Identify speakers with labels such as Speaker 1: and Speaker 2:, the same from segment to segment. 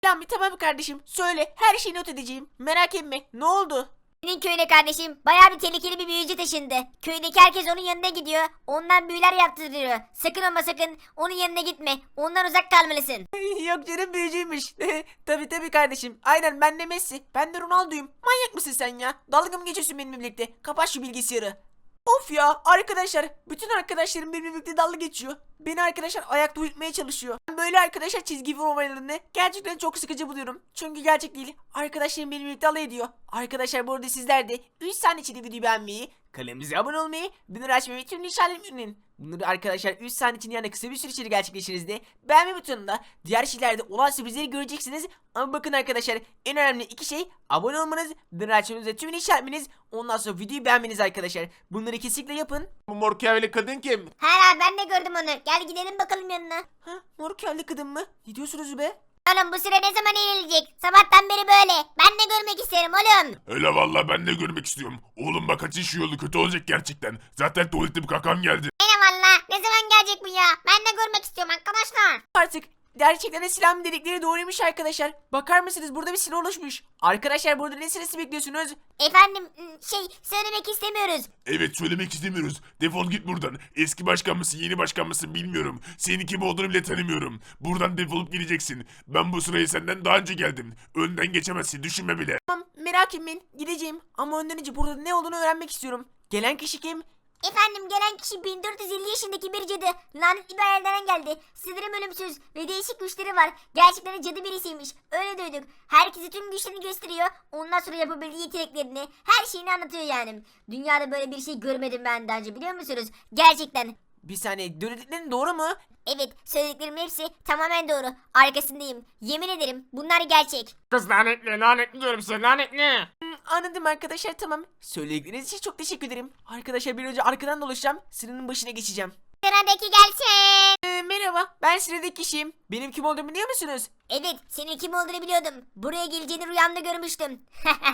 Speaker 1: Lan bir tamam kardeşim. Söyle, her şeyi not edeceğim. Merak etme. Ne oldu?
Speaker 2: Senin köyüne kardeşim bayağı bir tehlikeli bir büyücü taşındı. Köydeki herkes onun yanına gidiyor. Ondan büyüler yaptırıyor. Sakın ama sakın onun yanına gitme. Ondan uzak kalmalısın.
Speaker 1: Yok canım, büyücüymüş. Tabii kardeşim. Aynen, ben de Messi. Ben de Ronaldo'yum. Manyak mısın sen ya? Dalga mı geçiyorsun benimle birlikte? Kapat şu bilgisayarı. Of ya arkadaşlar, bütün arkadaşlarım benimle birlikte dalga geçiyor. Beni arkadaşlar ayakta uyutmaya çalışıyor. Ben böyle arkadaşlar çizgi film olaylarını gerçekten çok sıkıcı buluyorum. Çünkü gerçek değil. Arkadaşlarım benimle birlikte alay ediyor. Arkadaşlar bu arada sizler de 3 saniye içinde videoyu beğenmeyi, kanalımıza abone olmayı, bildirim açmayı ve tüm işaretlerini. Bunları arkadaşlar 3 saniye için yani kısa bir süre içinde gerçekleştiğinizde beğenme butonunda diğer şeylerde olan sürprizleri göreceksiniz. Ama bakın arkadaşlar, en önemli iki şey abone olmanız, bildirim açmanız ve tüm işaretleriniz. Ondan sonra videoyu beğenmeniz arkadaşlar. Bunları kesinlikle yapın.
Speaker 3: Bu mor kıyafetli kadın kim?
Speaker 2: Hala ben de gördüm onu. Gel gidelim bakalım yanına.
Speaker 1: Ha, mor kelli kadın mı? Ne diyorsunuz be?
Speaker 2: Oğlum bu süre ne zaman ilerleyecek? Sabahtan beri böyle. Ben de görmek isterim oğlum.
Speaker 3: Öyle valla ben de görmek istiyorum. Oğlum bak kaçın şu yolu, kötü olacak gerçekten. Zaten tuvaletim kakam geldi.
Speaker 2: Yine valla. Ne zaman gelecek bu ya? Ben de görmek istiyorum arkadaşlar.
Speaker 1: Artık gerçekten de silah dedikleri doğruymuş arkadaşlar. Bakar mısınız, burada bir silah oluşmuş. Arkadaşlar burada ne sırası bekliyorsunuz?
Speaker 2: Efendim söylemek istemiyoruz.
Speaker 3: Evet, söylemek istemiyoruz. Defol git buradan. Eski başkan mısın, yeni başkan mısın bilmiyorum. Senin kim olduğunu bile tanımıyorum. Buradan defolup gideceksin. Ben bu sıraya senden daha önce geldim. Önden geçemezsin, düşünme bile.
Speaker 1: Tamam, merak etmeyin, gideceğim. Ama önden önce burada ne olduğunu öğrenmek istiyorum. Gelen kişi kim?
Speaker 2: Efendim gelen kişi 1450 yaşındaki bir cadı. Lanetli bir aileden geldi. Sinirim ölümsüz ve değişik güçleri var. Gerçekten de cadı birisiymiş. Öyle duyduk. Herkese tüm güçlerini gösteriyor. Ondan sonra yapabildiği yeteneklerini, her şeyini anlatıyor yani. Dünyada böyle bir şey görmedim ben daha önce, biliyor musunuz? Gerçekten.
Speaker 1: Bir saniye, dediklerin doğru mu?
Speaker 2: Evet, söylediklerimin hepsi tamamen doğru. Arkasındayım. Yemin ederim bunlar gerçek.
Speaker 4: Kız lanetli diyorum size, lanetli.
Speaker 1: Anladım arkadaşlar, tamam. Söyledikleriniz için çok teşekkür ederim. Arkadaşlar bir önce arkadan dolaşacağım. Sıranın başına geçeceğim.
Speaker 2: Sıradaki gelsin.
Speaker 1: Merhaba, ben sıradaki kişiyim. Benim kim olduğumu biliyor musunuz?
Speaker 2: Evet, senin kim olduğunu biliyordum. Buraya geleceğini rüyamda görmüştüm.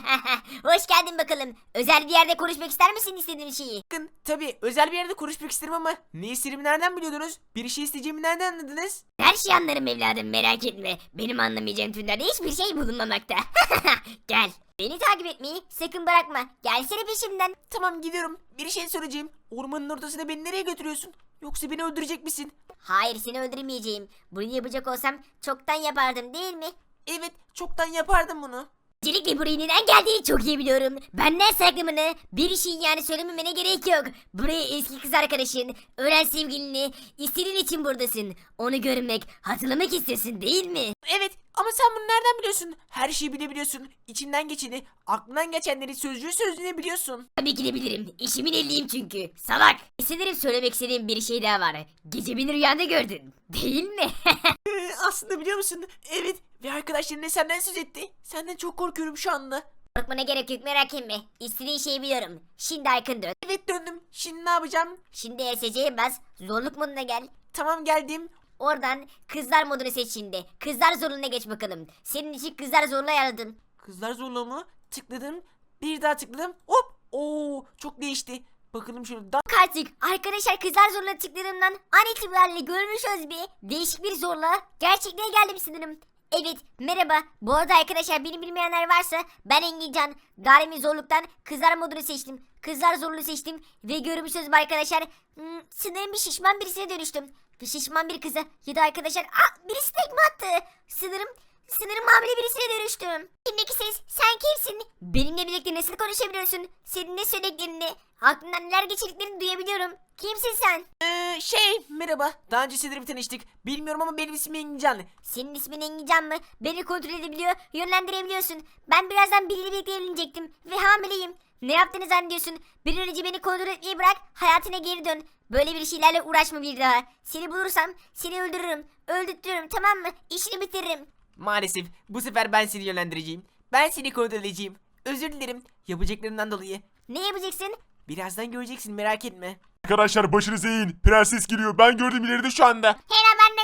Speaker 2: Hoş geldin bakalım. Özel bir yerde konuşmak ister misin istediğin şeyi?
Speaker 1: Bakın tabii özel bir yerde konuşmak isterim ama ne istediğimi nereden biliyordunuz? Bir şey isteyeceğimi nereden anladınız?
Speaker 2: Her şeyi anlarım evladım, merak etme. Benim anlamayacağım türlerde hiçbir şey bulunmamakta. Gel. Beni takip etmeyi sakın bırakma. Gelsene peşimden.
Speaker 1: Tamam, gidiyorum. Bir şey soracağım. Ormanın ortasında beni nereye götürüyorsun? Yoksa beni öldürecek misin?
Speaker 2: Hayır, seni öldürmeyeceğim. Bunu yapacak olsam çoktan yapardım değil mi?
Speaker 1: Evet, çoktan yapardım bunu.
Speaker 2: Öncelikle buraya neden geldiğini çok iyi biliyorum. Benden saklamını, bir şey yani söylememene gerek yok. Buraya eski kız arkadaşın, ölen sevgilini, istediğin için buradasın. Onu görmek, hatırlamak istiyorsun değil mi?
Speaker 1: Evet, ama sen bunu nereden biliyorsun? Her şeyi bilebiliyorsun. İçinden geçeni, aklından geçenleri sözcüğü sözlüğüne biliyorsun.
Speaker 2: Tabii ki de bilirim. İşimin ehliyim çünkü. Salak. Sanırım söylemek istediğim bir şey daha var. Gece beni rüyanda gördün. Değil mi?
Speaker 1: Aslında biliyor musun? Evet, ve arkadaşların ne senden söz etti. Senden çok korkuyorum şu anda.
Speaker 2: Korkmana gerek yok, merak etme. İstediğin şeyi biliyorum. Şimdi arkın dön.
Speaker 1: Evet, döndüm. Şimdi ne yapacağım?
Speaker 2: Şimdi ESC'ye bas. Zorluk moduna gel.
Speaker 1: Tamam, geldim.
Speaker 2: Oradan kızlar modunu seç şimdi. Kızlar zorluğuna geç bakalım. Senin için kızlar zorluğu ayarladım.
Speaker 1: Kızlar zorluğu mu? Tıkladım. Bir daha tıkladım. Hop. Oo, çok değişti. Bakalım şöyle.
Speaker 2: Bak artık arkadaşlar, kızlar zorluğuna tıkladığımdan an itibariyle görmüşüz bir değişik bir zorluğa. Gerçekliğe geldim sanırım. Evet, merhaba. Bu arada arkadaşlar, beni bilmeyenler varsa ben Engincan. Daimi zorluktan kızlar modunu seçtim. Kızlar zorluğu seçtim ve görmüşsünüz arkadaşlar. Sanırım bir şişman birisine dönüştüm. Bir şişman bir kıza ya da arkadaşlar birisi tekme attı. Sanırım hamile birisine dönüştüm. Şimdiki ses, sen kimsin? Benimle birlikte nasıl konuşabiliyorsun? Senin ne söylediklerini, aklından neler geçirdiklerini duyabiliyorum. Kimsin sen?
Speaker 1: Merhaba. Daha önce sizlerle bir tanıştık. Bilmiyorum ama benim ismim Engincan.
Speaker 2: Senin ismin Engincan mı? Beni kontrol edebiliyor, yönlendirebiliyorsun. Ben birazdan biriyle birlikte evlenecektim ve hamileyim. Ne yaptığını zannediyorsun? Bir an önce beni kontrol etmeyi bırak, hayatına geri dön. Böyle bir şeylerle uğraşma bir daha. Seni bulursam seni öldürürüm. Öldürtürüm, tamam mı? İşini bitiririm.
Speaker 1: Maalesef bu sefer ben seni yönlendireceğim. Ben seni kontrol edeceğim. Özür dilerim yapacaklarından dolayı.
Speaker 2: Ne yapacaksın?
Speaker 1: Birazdan göreceksin, merak etme.
Speaker 3: Arkadaşlar başınızı eğin. Prenses geliyor. Ben gördüm ileride şu anda.
Speaker 2: Hera, ben de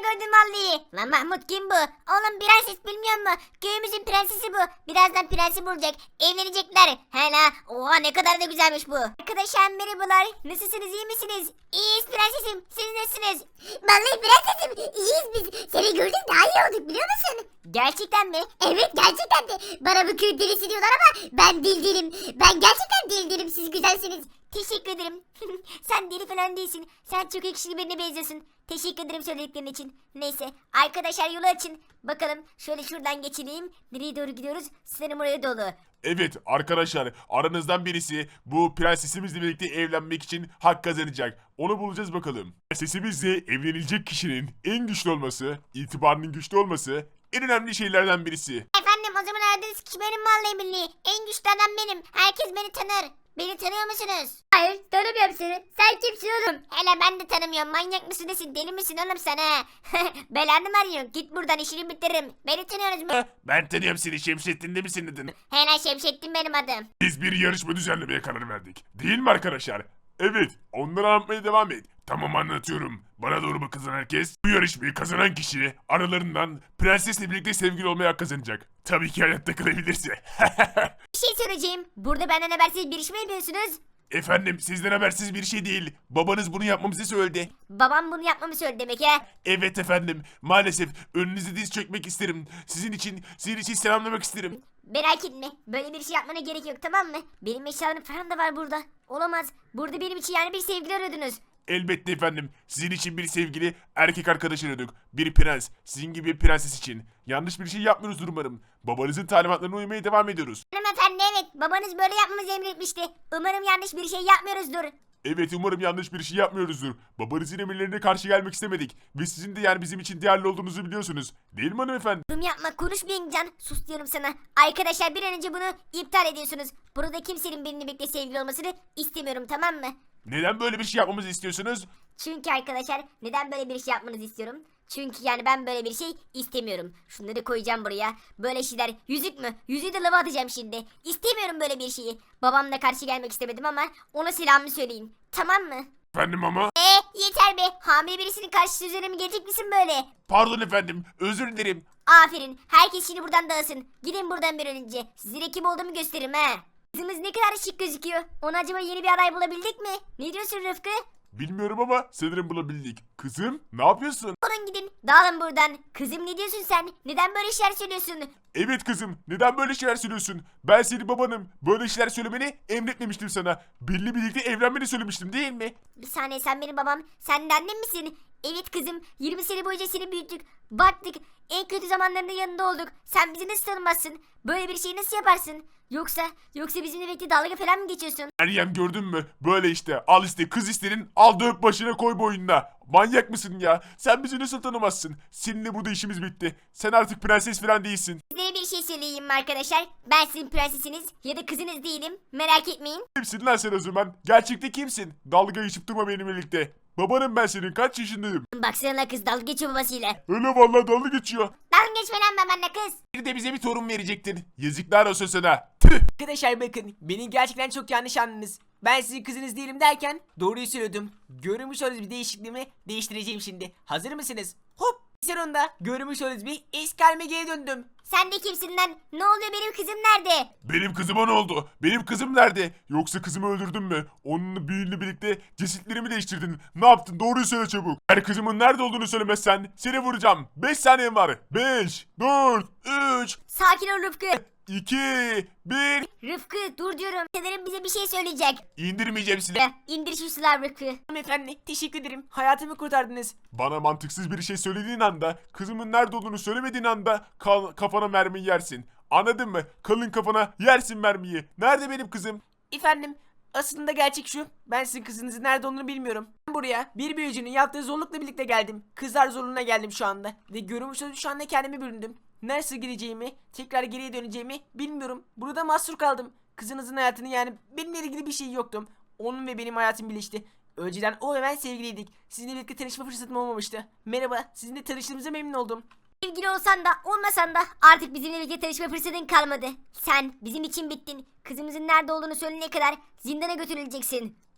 Speaker 2: gördüm vallahi. Lan Mahmut kim bu? Oğlum prenses bilmiyor mu? Köyümüzün prensesi bu. Birazdan prensi bulacak. Evlenecekler. Hala. Oha ne kadar da güzelmiş bu. Arkadaşlar merhabalar. Nasılsınız iyi misiniz? İyiyiz prensesim. Siz nasılsınız? Vallahi prensesim iyiyiz biz. Seni gördük daha iyi olduk biliyor musun? Gerçekten mi? Evet gerçekten de. Bana bu köy delisi diyorlar ama ben dil değilim. Ben gerçekten dil değilim. Siz güzelsiniz. Teşekkür ederim. Sen deli falan değilsin. Sen çok yakışıklı birine benziyorsun. Teşekkür ederim söylediklerin için. Neyse arkadaşlar yolu açın. Bakalım şöyle şuradan geçelim. Nereye doğru gidiyoruz? Sanırım oraya dolu.
Speaker 3: Evet arkadaşlar, aranızdan birisi bu prensesimizle birlikte evlenmek için hak kazanacak. Onu bulacağız bakalım. Prensesimizle evlenilecek kişinin en güçlü olması, itibarının güçlü olması en önemli şeylerden birisi.
Speaker 2: Efendim o zaman aradığınız kişi benim vallahi billahi. En güçlü adam benim. Herkes beni tanır. Beni tanıyor musunuz? Hayır tanımıyorum seni. Sen kimsin oğlum? Hele ben de tanımıyorum. Manyak mısın nesin? Deli misin oğlum sen ha? Belanı mı arıyorsun? Git buradan işini bitiririm. Beni tanıyorsunuz mu?
Speaker 3: Ben tanıyorum seni, Şemsettin de misin dedin?
Speaker 2: Hele Şemsettin benim adım.
Speaker 3: Biz bir yarışma düzenlemeye karar verdik. Değil mi arkadaşlar? Evet, onları anlatmaya devam et. Tamam anlatıyorum. Bana doğru bakın herkes. Bu yarışmayı kazanan kişi aralarından prensesle birlikte sevgili olmaya hak kazanacak. Tabii ki hayatta kalabilirse.
Speaker 2: Bir şey söyleyeceğim. Burada benden habersiz bir iş mi yapıyorsunuz?
Speaker 3: Efendim sizden habersiz bir şey değil. Babanız bunu yapmamızı söyledi.
Speaker 2: Babam bunu yapmamı söyledi demek ha.
Speaker 3: Evet efendim. Maalesef önünüze diz çökmek isterim. Sizin için selamlamak isterim.
Speaker 2: Merak etme. Böyle bir şey yapmana gerek yok tamam mı? Benim eşyalarım falan da var burada. Olamaz. Burada benim için yani bir sevgili arıyordunuz.
Speaker 3: Elbette efendim. Sizin için bir sevgili erkek arkadaş aradık. Bir prens. Sizin gibi bir prenses için. Yanlış bir şey yapmıyoruz umarım. Babanızın talimatlarına uymaya devam ediyoruz.
Speaker 2: Hanımefendi evet. Babanız böyle yapmamızı emretmişti. Umarım yanlış bir şey yapmıyoruzdur.
Speaker 3: Evet umarım yanlış bir şey yapmıyoruzdur. Babanızın emirlerine karşı gelmek istemedik. Ve sizin de yani bizim için değerli olduğunuzu biliyorsunuz. Değil mi hanımefendi?
Speaker 2: Yorum yapma konuşmayın Can. Sus diyorum sana. Arkadaşlar bir an önce bunu iptal ediyorsunuz. Burada kimsenin benimle birlikte sevgili olmasını istemiyorum tamam mı?
Speaker 3: Neden böyle bir şey yapmamızı istiyorsunuz?
Speaker 2: Çünkü arkadaşlar neden böyle bir şey yapmanızı istiyorum? Çünkü yani ben böyle bir şey istemiyorum. Şunları koyacağım buraya. Böyle şeyler yüzük mü? Yüzüğü de lava atacağım şimdi. İstemiyorum böyle bir şeyi. Babamla karşı gelmek istemedim ama ona selamımı söyleyin. Tamam mı?
Speaker 3: Efendim ama?
Speaker 2: Yeter be. Hamile birisinin karşısına üzerine mi gelecek misin böyle?
Speaker 3: Pardon efendim. Özür dilerim.
Speaker 2: Aferin. Herkes şimdi buradan dağılsın. Gidin buradan bir an önce. Size kim olduğumu gösteririm ha. Kızımız ne kadar şık gözüküyor. Ona acaba yeni bir aday bulabildik mi? Ne diyorsun Rıfkı?
Speaker 3: Bilmiyorum ama sanırım bulabildik. Kızım ne yapıyorsun?
Speaker 2: Olun gidin. Dağılın buradan. Kızım ne diyorsun sen? Neden böyle şeyler söylüyorsun?
Speaker 3: Evet kızım neden böyle şeyler söylüyorsun? Ben senin babanım. Böyle şeyler söylemeni emretmemiştim sana. Benimle birlikte evlenmeni söylemiştim değil mi?
Speaker 2: Bir saniye sen benim babam. Sen de annem misin? Evet kızım. 20 sene boyunca seni büyüttük. Baktık. En kötü zamanlarında yanında olduk. Sen bizi nasıl tanımazsın? Böyle bir şeyi nasıl yaparsın? Yoksa bizimle birlikte dalga falan mı geçiyorsun?
Speaker 3: Meryem gördün mü? Böyle işte. Al işte kız isterin. Al dök başına koy boynuna. Manyak mısın ya? Sen bizi nasıl tanımazsın? Seninle burada işimiz bitti. Sen artık prenses falan değilsin.
Speaker 2: Size bir şey söyleyeyim mi arkadaşlar? Ben sizin prensesiniz ya da kızınız değilim. Merak etmeyin.
Speaker 3: Kimsin lan sen o zaman? Gerçekte kimsin? Dalga geçip durma benimle birlikte. Babanım ben senin. Kaç yaşındayım?
Speaker 2: Baksana kız dalga geçiyor babasıyla.
Speaker 3: Öyle vallahi dalga geçiyor.
Speaker 2: Dalga geçme lan babanla kız.
Speaker 3: Bir de bize bir torun verecektin. Yazıklar olsun sana.
Speaker 1: Arkadaşlar bakın beni gerçekten çok yanlış anladınız. Ben sizin kızınız değilim derken doğruyu söylüyordum. Görmüş olduğunuz bir değişikliğimi değiştireceğim şimdi. Hazır mısınız? Hop! Sonunda görmüş olduğunuz bir eski halime geri döndüm.
Speaker 2: Sen de kimsin lan? Ne oluyor benim kızım nerede?
Speaker 3: Benim kızıma ne oldu? Benim kızım nerede? Yoksa kızımı öldürdün mü? Onunla büyüğünle birlikte cesetlerimi değiştirdin. Ne yaptın? Doğruyu söyle çabuk. Eğer kızımın nerede olduğunu söylemezsen seni vuracağım. 5 saniyem var. 5, 4, 3,
Speaker 2: Sakin ol Rıfkı.
Speaker 3: 2, 1.
Speaker 2: Rıfkı dur diyorum. Sanırım bize bir şey söyleyecek.
Speaker 3: İndirmeyeceğim seni.
Speaker 2: İndir şu silahı Rıfkı.
Speaker 1: Hanımefendi teşekkür ederim. Hayatımı kurtardınız.
Speaker 3: Bana mantıksız bir şey söylediğin anda, kızımın nerede olduğunu söylemediğin anda kafana mermiyi yersin. Anladın mı? Kalın kafana yersin mermiyi. Nerede benim kızım?
Speaker 1: Efendim aslında gerçek şu. Ben sizin kızınızın nerede olduğunu bilmiyorum. Ben buraya bir büyücünün yaptığı zorlukla birlikte geldim. Kızlar zorluğuna geldim şu anda. Ve görmüş olduğunuz şu anda kendimi büründüm. Nasıl gideceğimi, tekrar geriye döneceğimi bilmiyorum. Burada mahsur kaldım. Kızınızın hayatını yani benimle ilgili bir şey yoktu. Onun ve benim hayatım birleşti. Önceden o ve ben sevgiliydik. Sizinle birlikte tanışma fırsatım olmamıştı. Merhaba, sizinle tanıştığımıza memnun oldum.
Speaker 2: Sevgili olsan da olmasan da artık bizimle birlikte tanışma fırsatın kalmadı. Sen bizim için bittin. Kızımızın nerede olduğunu söyleyene kadar zindana götürüleceksin.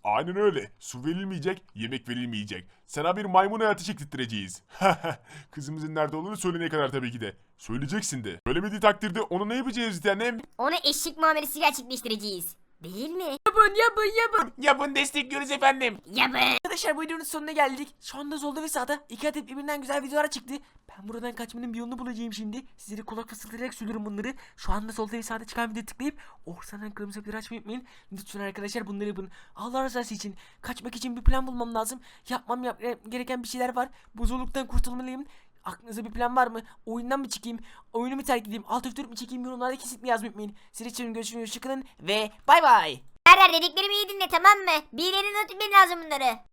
Speaker 3: Aynen öyle. Su verilmeyecek, yemek verilmeyecek. Sana bir maymun hayatı çektirttireceğiz. Kızımızın nerede olduğunu söyleyene kadar tabii ki de. Söyleyeceksin de. Söylemediği takdirde onu ne yapacağız bir tanem?
Speaker 2: Ona eşlik muamelesi gerçekleştireceğiz. Değil mi?
Speaker 1: Yapın destekliyoruz efendim.
Speaker 2: Yapın.
Speaker 1: Arkadaşlar bu videonun sonuna geldik. Şu anda solda ve sağda iki adet birbirinden güzel videolar çıktı. Ben buradan kaçmanın bir yolunu bulacağım şimdi. Sizlere kulak fısıldayarak söylüyorum bunları. Şu anda solda ve sağda çıkan videoyu tıklayıp ortadan kırmızı bir açmayı unutmayın. Lütfen arkadaşlar bunları yapın. Allah rızası için. Kaçmak için bir plan bulmam lazım. Yapmam gereken bir şeyler var. Bu zorluktan kurtulmalıyım. Aklınızda bir plan var mı? Oyundan mı çıkayım? Oyunu mu terk edeyim? Alt F4 mi çekeyim? Yorumlarda kesinlikle yazmayı unutmayın. Sizin için görüşürüz. Hoşçakalın ve bay bay.
Speaker 2: Her dediklerimi iyi dinle, tamam mı? Bir yerine not etmen lazım bunları.